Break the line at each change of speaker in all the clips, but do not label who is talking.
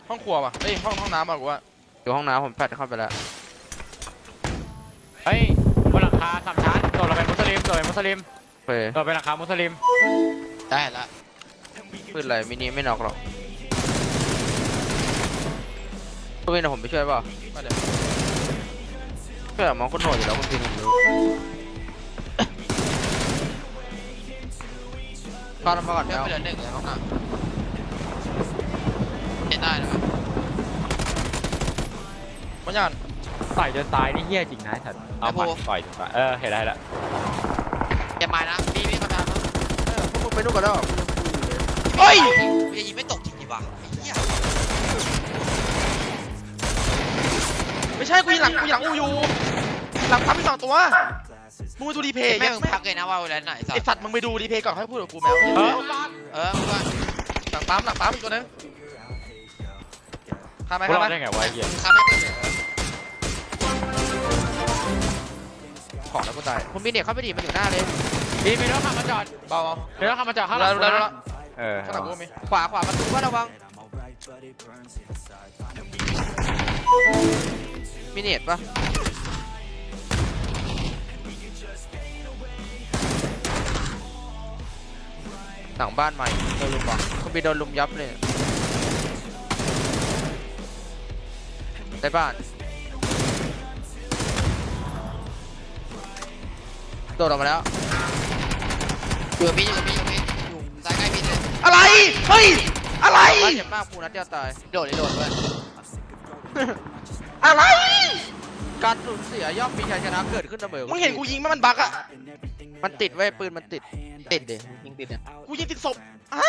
ห้องครัวป่ะเอ้ยห้องน้ำป่ะกูว่า
อยู่ห้องน้ำผมแฟดเข้าไปแล้ว
เฮ้ยบนหลังคาสามชั้นโดดลงไปมุสลิมโดดไปมุสลิม
เฟ้ย
โดดไปหลังคามุสลิม
ได้ละ
ปืนอะไรมินิไม่น็อกหรอกปืนนะผมไปช่วยเปล่า
มาเดี๋ยว
ช่วยมองคนโหดอยู่แล้วคุณพินผมรู้เข้าน้ำมาก่อน
เพื่อน
แล้ว
ไปเดินหนึ่งเลยห้องน้ำเห็นได้นะ
มันยัน
ต่อยจนตายนี่เหี้ยจริงนะฉันเอาหมัดต่อยจนตายเห็นได้แล้ว
อย่ามานะพี่เขาทำ
พวกมึงไปนู่นกันแล้ว
เฮ้ย
จะยิงไม่ตกจริงๆวะไอ้เหี้ย
ไม่ใช่กูยิงหลังอูอยู่หลังปั๊มมี2 ตัวมึงไปดูรีเพย์
แม่มึงพักเลยนะว่าเวลาไหน
ไอสัตว์มึงไปดูรีเพย์ก่อนให้พูดกับกูแมว
มึงก็
หลังปั๊มอีกตัวนึงฆ่าไหม
กูร
ฆ่า
อ
ไหม
ดได้ไงวะเหี้ย
ทำให้เปิดเลย
ของแล้วกูตายผมมีเด็กเข้าไปดิมันอยู่หน้าเลย
มีรถขับมาจอด
เบา
มีรถขับมาจอดข้างห
แล้
ลั
ว
ง
แล้ว
นะ
ข้างหลังกูมี
ขวาประตูว่าระวังมีเน็ตปะหลังบ้านใหม่โดนลุมปะคุณบีโดนลุมยับเลยในบ้านโดดออกมาแล้ว
อยู่กับพี่อยู่ซ้ายใกล้พี่เลย
อะไรเฮ้ยอะไร
บ้านเจ็บมากปูนัดเดียวตาย
โดดด้วย
อะไร
การสูญเสียย่อมมีชัยชนะเกิดขึ้นเสมอ
มึงเห็นกูยิงไหมมันบักอะ
มันติดไว้ปืนมันติด
ติดดิยิงติดเนี่ย
กูยิงติดศพอะ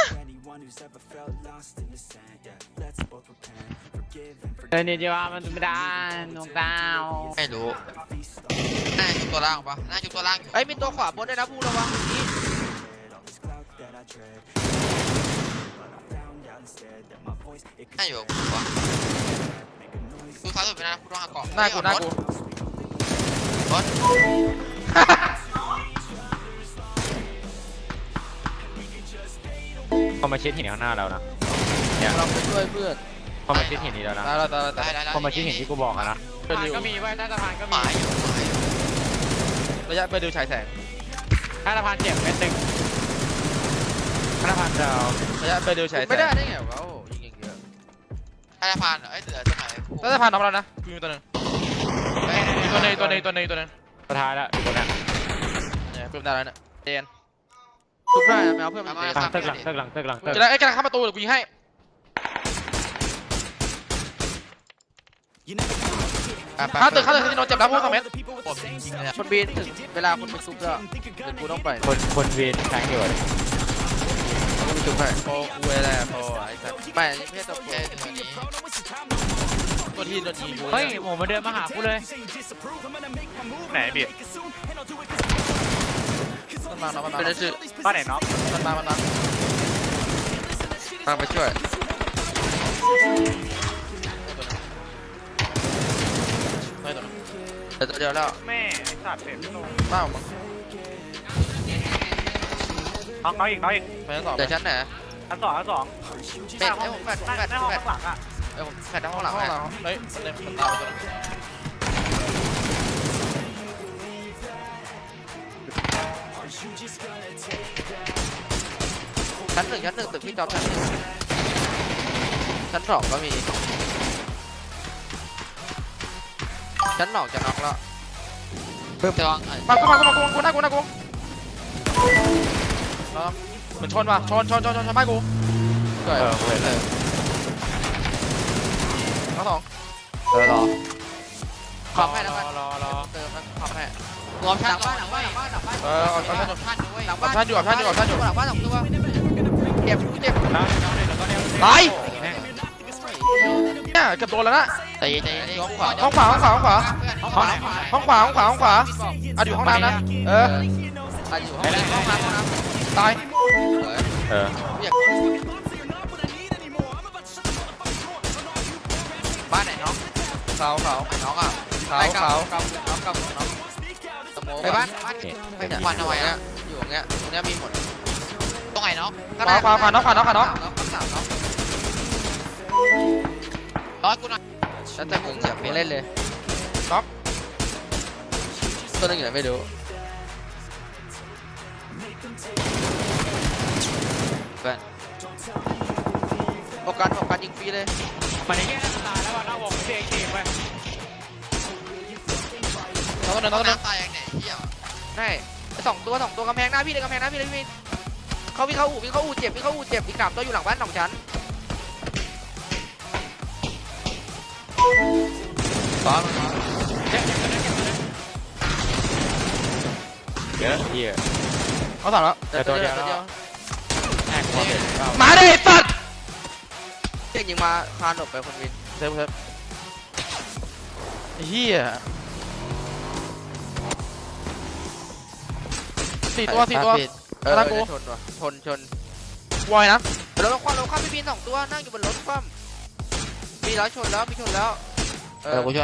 นี่จีว่ามันไม่ได้นกดาว
ไม่รู้น่าจุดตัวล่างปะน่าจุดตัวล่างอยู่
เอ้ยมีตัวขวาบนด้วยนะพูระวังนี่
น่าอยู่กับกูวะดูซ้ายสุดไปนะกูต้องหาเกาะ
หน้ากู
บอส
เขามาชิดหินข้างหน้าเรานะ
เราไปช่วยเพื่อน
เขามาชิดหินนี้แล้วนะ
ตายแล้ว
ได้
เขามาชิดหินที่กูบอกอะนะ
เป็นริว
ก็มีไว้ใต้สะพานก็
ห
มี
มายอยู่
ระยะไปดูฉายแสง
ใต้สะพานเจ็บเม็ดหนึ่งใต้สะพานดาว
ระยะไปดูฉายแสง
ไม่ได้ได้ไงวะโอ้ยิงอย่างเยอะ
ใต้สะพานเอ้ยเหลือตรงไหน
แล้วสะพานน็อกแล้วนะกูมีตัวนึงตัวนึง
สุดท้ายแล้วอยู่ตรงนั้น
เนี่ยเพิ่มได้แล้วเนี่ยเจน
ทุบได้นะแมวเพื่อนมัน
หลังตึกตึก
จะได้ไอ้กำลังเข้าประตูเดี๋ยวกูยิงให้เข้าตึกที่โดนเจ็บแล้วพวก2 เมตร
ผมจริงเลย
คนบีนถึงเวลาคนไปซุบแล้วเดี๋ยวกูต้องไป
คนวีนแทงอยู่
กูไปซุบให้
โอ้กูแหละโอ้ไอ้สัส
ไม่ไม่ใช่ตัวกู
แค่ตัวนี้
ตัวที่โดนยิงกู
เฮ้ยหมูมาเดินมาหากูเลย
ไหนเบียดมันมา
เป็นชื่อ
บ้านไหนน็อก
มันมา
ทางไปช่วยแต่ตัวเดียวแล้ว
แม่ไอ้สัตว์เผ็ดลง
เป้ามั้ง
น้องอีก
ไปชั้น 2
เดี๋ยวชั้นไหน
อันสอง
เป็ดให้ผมแฟด
ในห้องข้างหลังอ่ะ
เอ้ยผมแฟดทั้งห้องหลัง
ห้อง
ให้
เราเฮ้ยมันตามไปตัวนึง
ชั้น 1ตึกพี่จอบชั้น 1ชั้น 2ก็มีชั้น 2จะน็อกแล้ว
จะวาง
มากูหน้ากูเหมือนชนว่ะชนบ้านกู
ช่วย
เว้ย
ทั้ง 2
รอคอมให้แล้วกัน
รอ
เติมแล้วคอมให้
รวม
ห
ชั้
ลั
น
งบ้านหลังบ้านหลังบ้านหลังบ้าน
เอา
ชั้น
ชั้น
ชั้นด้วย
หลังบ้าน
ชั้นอยู่
หลังบ้าน2 ตัวเจ็บเจ็บ
แล้วแล้วก็เนี่ย
ตายเนี่ยเกือบโดนแล้วนะ
ใจเย็น
ห้องขวาอ่ะอยู่ห้องน้ำนะ
อยู่ห้องน้ำ
ตาย
อยากบ้านไหนน้อง
ขาว
น้องอ่ะไปบ้าน
ควันเอาไว้อะ
อยู่ตรงเนี้ยมีหมด
ตรงไหนเนาะ
ขวาน้อง
น้อง
ให้กูหน่อย
แล้วแต่มึงอยากเล่นเลย
น็อก
ตัวนึงอยู่ไหนไม่รู้เพื่อนโอกาสยิงฟรีเลย
มันนี่แค่หน้าตายแล้วว่ะหน้าวงเสียงเกมไป
น้องตัวนึงน้องตัวนึง
น้ำตายยังไงเที่ยว
ได้สองตัวกำแพงหน้าพี่เลยกำแพงหน้าพี่เลยพี่เขาวิ่งเข้าอู่เจ็บอีก3ตัวอยู่หลังบ้าน2 ชั้นซ้อน
เยอะเหี้ย
เขาสั่งแล้ว
ตัวเดียวแอกความเห็น
มาดิสัตว์
เด็กยิงมาคานหลบไปคนวิน
เซฟไอ้เหี้ยสี่ตัว
เออ
ตามกู
ชนว่ะชน
วอยนะ
เราข้ามพี่บิน2 ตัวนั่งอยู่บนรถคว่ำมีแล้วชนแล้วกูช่วย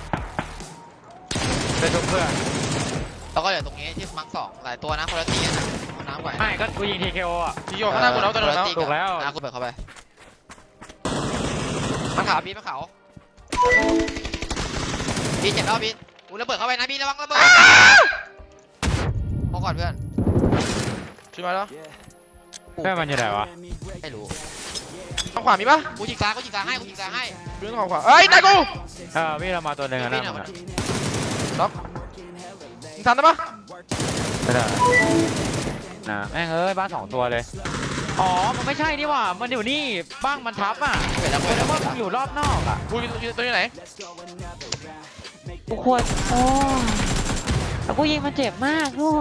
เป็นทุกเพื่อน
แล้วก็เหลือตรงนี้ที่มัง2หลายตัวนะคนละตีนะเอาน้ำไหว
ไม่ก็กูยิง TKO อ่ะ
ที่โยกข้างหน้ากูแล้วตัวนึงแล้ว
ถูกแล้ว
กูเปิดเข้าไปมาขาวบีนมาขาวบีนเจ็บแล้วบีนกูระเบิดเข้าไปนะบีนระวังระเบิดพอก่อนเพื่อน
ช่วยมาแล้ว
เพื่อนมันอยู่ไหนวะ
ไม่รู้
ทางขวามีปะ
กูยิงซ้ายให้
ดูทางขวาเอ้ยนายกู
พี่เรามาตัวหนึ่งอะนะมัน
มึงทันได้ปะ
ไม่ได้นะแม่งเอ้ยบ้าน2 ตัวเลยอ๋อมันไม่ใช่นี่หว่ามันอยู่นี่บ้างมันทับอ่ะ
เปิดแล้ว
เพราะว่ามึงอยู่รอบนอกอ่ะ
กูอยู่ตัวอยู่ไหน
กูควรโอ้แล้วกูยิงมันเจ็บมากด้วย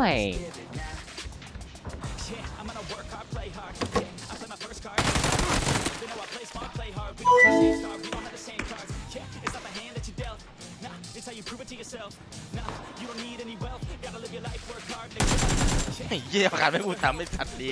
ไอ้เหี้ยประกาศไม่พูดทำไม่ทันดี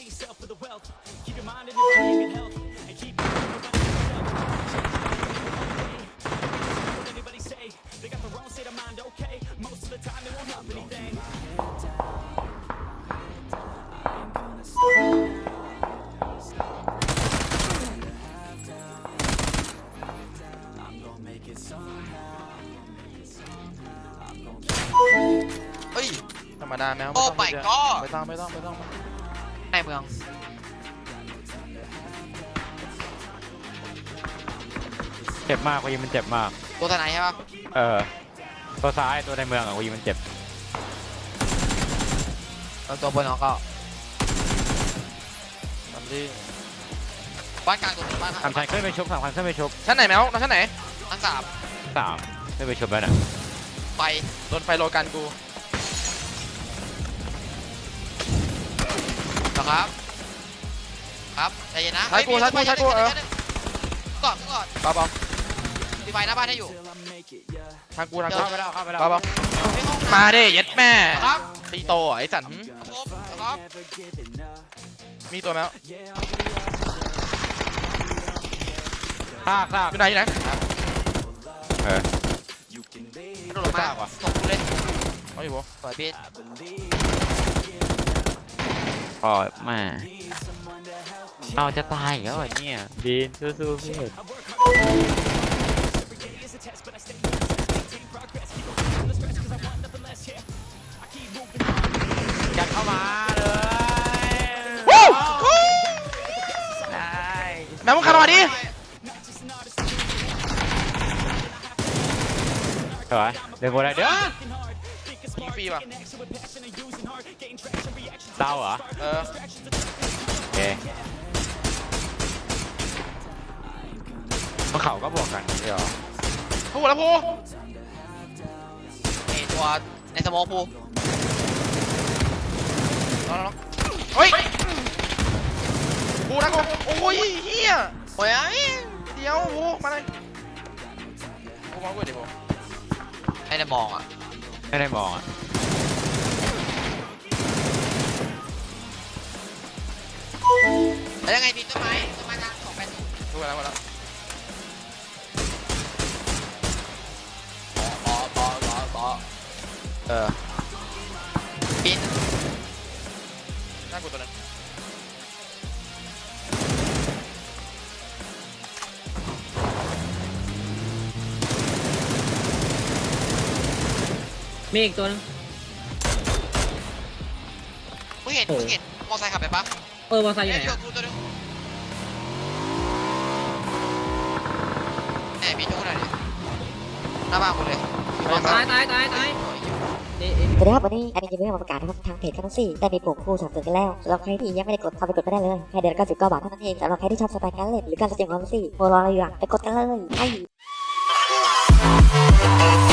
เฮ้ยธรรมดาแมว
โอ้ไปก็
ไม่ต้อง
ในเมือง
เจ็บมากกูยิงมันเจ็บมาก
ตัวทนายใช่ปะ
ตัวซ้ายตัวในเมืองอ่ะกูยิงมันเจ็บ
ตัวบนเขาก็
ทำดิ
บ้านกลางตัวหนึ่งบ้าน
3 ชั้นขึ้นไปชุบ3 ชั้นขึ้นไปชุบ
ชั้นไหนแมวชั้นไหน
ทั้ง3
3ขึ้นไปชุบแล้วน่ะ
ไป
โดนไฟโลกันกู
นะครับครับใจเย็นนะ
ใช้กูเออ
ก่อน
เบา
มีไฟหน้าบ้านให้อยู่
ๆทางกู
เข้าไปแล้วเข้าไปแล้ว
เบา
ไม่ห้อง
ๆมาดิเย็ดแม่
ครับ
ตีโตไอ้สัน
ครับ
มีตัวแมว
ซาก
อยู่ไหน
โดดลงมาส่งกูเล่น
เอาอยู่ปะ
สวยพี่
พอมาเอาจะตายอีกแล้วเหรอเนี่ยบีนสู้ๆพี่ยัดเข้ามาเลย
วู้
ได้
แมวมึงขันมาดิ
สวยเดี๋ยวกูได้เดี๋ยว
ยิงฟรีป่ะ
เต้าเหรอ
เออ
โอเคมันเขาก็บวกกันเดี๋ยว
พูดแล้วพู
ไอตัวในสโมอพู
น้องเฮ้ยพูนะกูโอ้ยเฮีย
โอ้ย
เดี๋ยวพูมาเลยพูมากูเดี๋ยวพู
ให้ได้มองอ่ะ
ไม่ได้มองอ่ะ
แล้วยังไงพี่ต้นไม้ทาง280
พูดแล้วมาแล้ว
บิน
หน้ากูตัวนั้น
มีอีกตัวนึง
มึงเห็นมอไซค์ขับไปปะ
มอไซค์อยู่ไหน
เดี๋ยว
อะ
กูตัวนึงแหมมีจุกหน่อยดิหน้าบ้านกูเลยอยู่มอไซ
ตาย
ค์
ตายตายตายนี่
สวัสดีครับวันนี้แอดมินจะมีเรื่องมาประกาศนะครับทางเพจกันซี่ได้มีปุ่มคู่สั่งเตือนกันแล้วสำหรับใครที่ยังไม่ได้กดเข้าไปกดไม่ได้เลยแค่เดือนละ99 บาทเท่านั้นเองสำหรับใครที่ชอบสไตล์การเล่นหรือการแสดงความรู้สึกโมรออะไรอยู่อะไปกดกันเลยไอ้